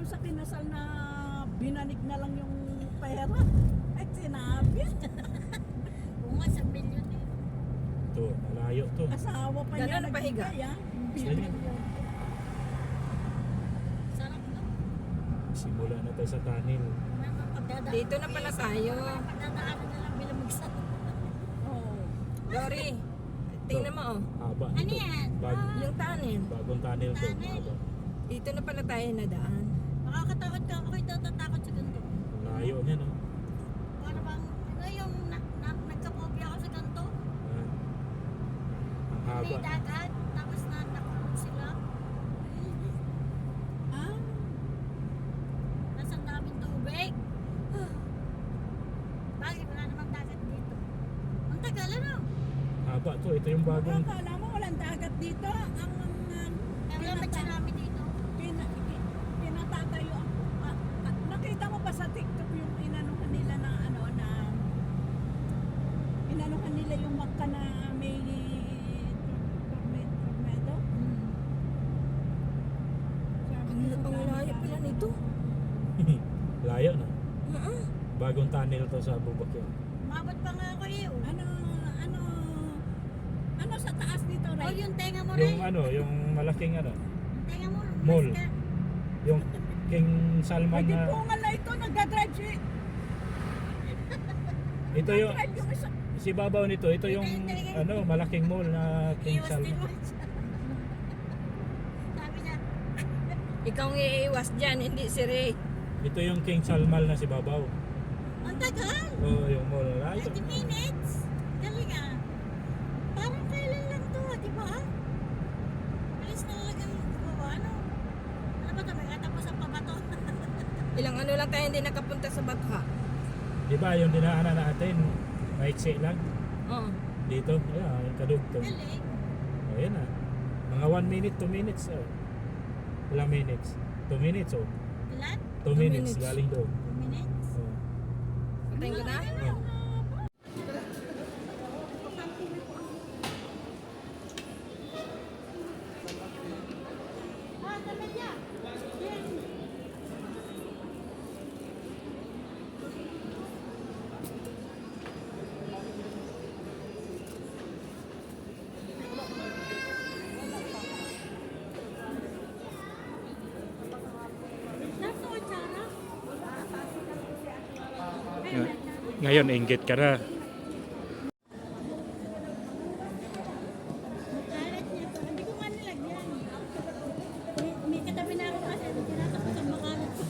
yung sa kinasal na binanig na lang yung pera. Ay, sinabi. Oo nga, 1,000,000 eh. Ito, malayo to. Asawa pa niya Gano'n pahiga? nagbigay, ah. Ganyan. Sarap no? Simula na tayo sa tunnel. Dito na pala tayo. Pagdadaanan na lang bilang magsa. Oo. Dory, tingnan mo oh. Haba. Ano Ito. yan? Yung tunnel. Bagong tunnel to. Tunnel. Haba. Dito na pala tayo nadaan. Makakatakot ka. Ako'y natatakot sa ganito. Layo niya, no? Para bang, ano yung nagkapobya ako sa ganito? Ah. Ang haba. May dagat, tapos nakulong sila. Ah, Nasa ang daming tubig. Bakit wala namang dagat dito? Ang tagal ano? Haba to. Ito yung bagong... akala mo walang dagat dito. Ang Kaya wala ba tsunami dito? tinatatayo. Nakita mo ba sa TikTok yung inanuhan nila na ano na inanuhan nila yung Macca na may tornado? Ang layo pala nito. Layo na. Uh-uh. Bagong tunnel to sa bubak yun. Mabot pa nga ako eh. Oh. Ano sa taas nito, Oh, Ray? yung tenga mo Yung rin. ano, yung malaking ano, Tenga mo. Mall. mas ka. yung King Salman Pwede na... po nga na ito, nagdadrive si... Ito yung... Drive yung isa. Si babaw nito, ito yung ano, malaking mall na King Iwas din Salman. mo siya. Sabi niya, Ikaw ang iiwas dyan, hindi si Ray. Ito yung King Salman na si babaw. ang tagal. Oh, yung mall. Layo. 30 minutes. Galing ah. Parang kailan lang to, di ba? Bilis na talagang gawa, ano? Ano ba ito? May katapusan pa ba to? Ilang ano lang tayo hindi nakapunta sa Batha. Di ba yung dinaanan natin, maiksi lang Oo. dito. Ayan, kadugtong. Galing. Oh, yan ah. Mga 1 minute, 2 minutes. Oh. Ilang minutes? 2 minutes oh. Ilan? 2 2 minutes, minutes. galing doon. 2 minutes? Oh. Patayin ko na? Oh. Ah, tabi niya. Nasa kutsara? Ngayon, inggit ka na. Alat niya to. Hindi ko nga nilagyan. May katabi na ako kasi tinatapos ang makalat ko.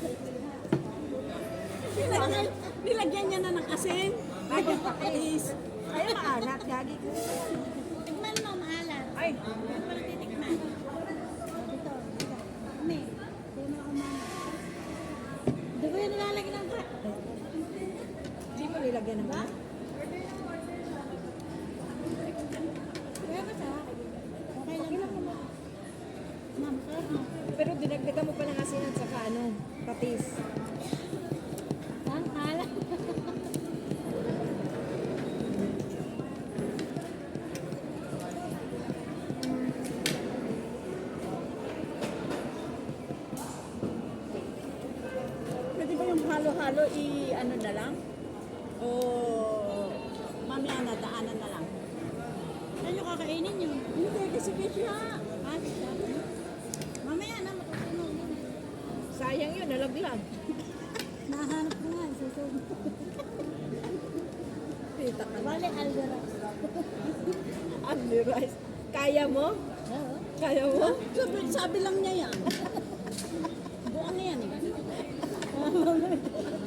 Nilagyan niya na ng asin. Lagyan pa is. Ay, maalat, gagi ko. Tikman mo, maalat. Ay, Yan pala titikman. Dito, dito. May. Puno ako mama. Hindi ko yan nilalagyan ng ka. Hindi mo nilagyan ng ba? Kaya ba sa? Okay lang naman. Ma'am, sir. Pero dinagdagan mo pa ng asin at saka ano, patis. Ang alat. pwede ba yung halo-halo ano na lang? O mamaya na, daanan na lang. Saan nyo kakainin yun? Hindi, kasi siya. Ah, siya. Mamaya na, matutunog yun. Sayang yun, nalaglag. Nahanap ko nga, susunod. Kita ka na. Bale, algara. Ugly rice. Kaya mo? Oo. Kaya mo? Sabi lang niya yan. Buwan na yan eh.